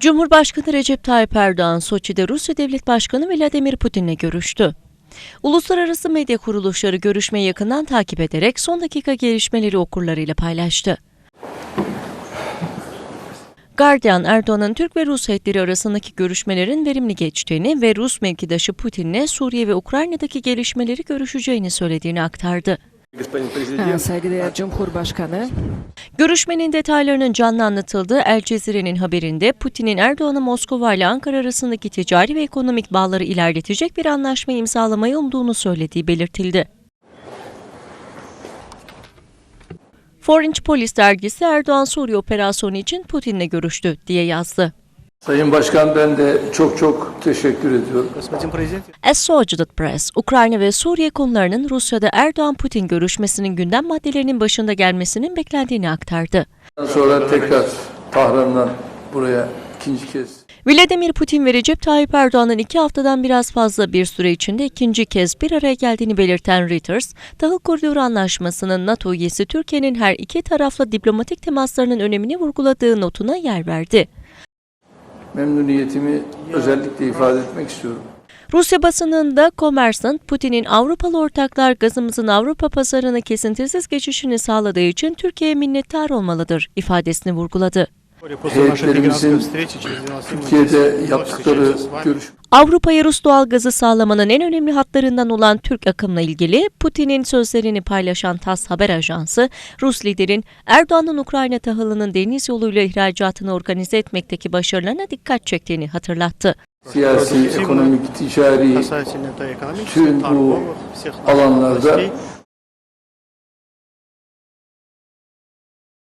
Cumhurbaşkanı Recep Tayyip Erdoğan, Soçi'de Rusya Devlet Başkanı Vladimir Putin'le görüştü. Uluslararası medya kuruluşları görüşmeyi yakından takip ederek son dakika gelişmeleri okurlarıyla paylaştı. Guardian, Erdoğan'ın Türk ve Rus heyetleri arasındaki görüşmelerin verimli geçtiğini ve Rus mevkidaşı Putin'le Suriye ve Ukrayna'daki gelişmeleri görüşeceğini söylediğini aktardı. Saygıdeğer Cumhurbaşkanı. Görüşmenin detaylarının canlı anlatıldığı El Cezire'nin haberinde Putin'in Erdoğan'ın Moskova ile Ankara arasındaki ticari ve ekonomik bağları ilerletecek bir anlaşma imzalamayı umduğunu söylediği belirtildi. Foreign Policy dergisi Erdoğan Suriye operasyonu için Putin'le görüştü diye yazdı. Sayın Başkan, ben de çok teşekkür ediyorum. Associated Press, Ukrayna ve Suriye konularının Rusya'da Erdoğan-Putin görüşmesinin gündem maddelerinin başında gelmesinin beklendiğini aktardı. Sonra tekrar Tahran'dan buraya ikinci kez. Vladimir Putin ve Recep Tayyip Erdoğan'ın 2 haftadan biraz fazla bir süre içinde ikinci kez bir araya geldiğini belirten Reuters, Tahıl Koridoru Anlaşması'nın NATO üyesi Türkiye'nin her iki tarafla diplomatik temaslarının önemini vurguladığı notuna yer verdi. Memnuniyetimi özellikle ifade etmek istiyorum. Rusya basınında Kommersant, Putin'in Avrupalı ortaklar gazımızın Avrupa pazarına kesintisiz geçişini sağladığı için Türkiye'ye minnettar olmalıdır ifadesini vurguladı. Heyetlerimizin Türkiye'de yaptıkları Avrupa'ya Rus doğalgazı sağlamanın en önemli hatlarından olan Türk akımla ilgili Putin'in sözlerini paylaşan TASS haber ajansı, Rus liderin Erdoğan'ın Ukrayna tahılının deniz yoluyla ihracatını organize etmekteki başarılarına dikkat çektiğini hatırlattı. siyasi, ekonomik, ticari tüm bu alanlarda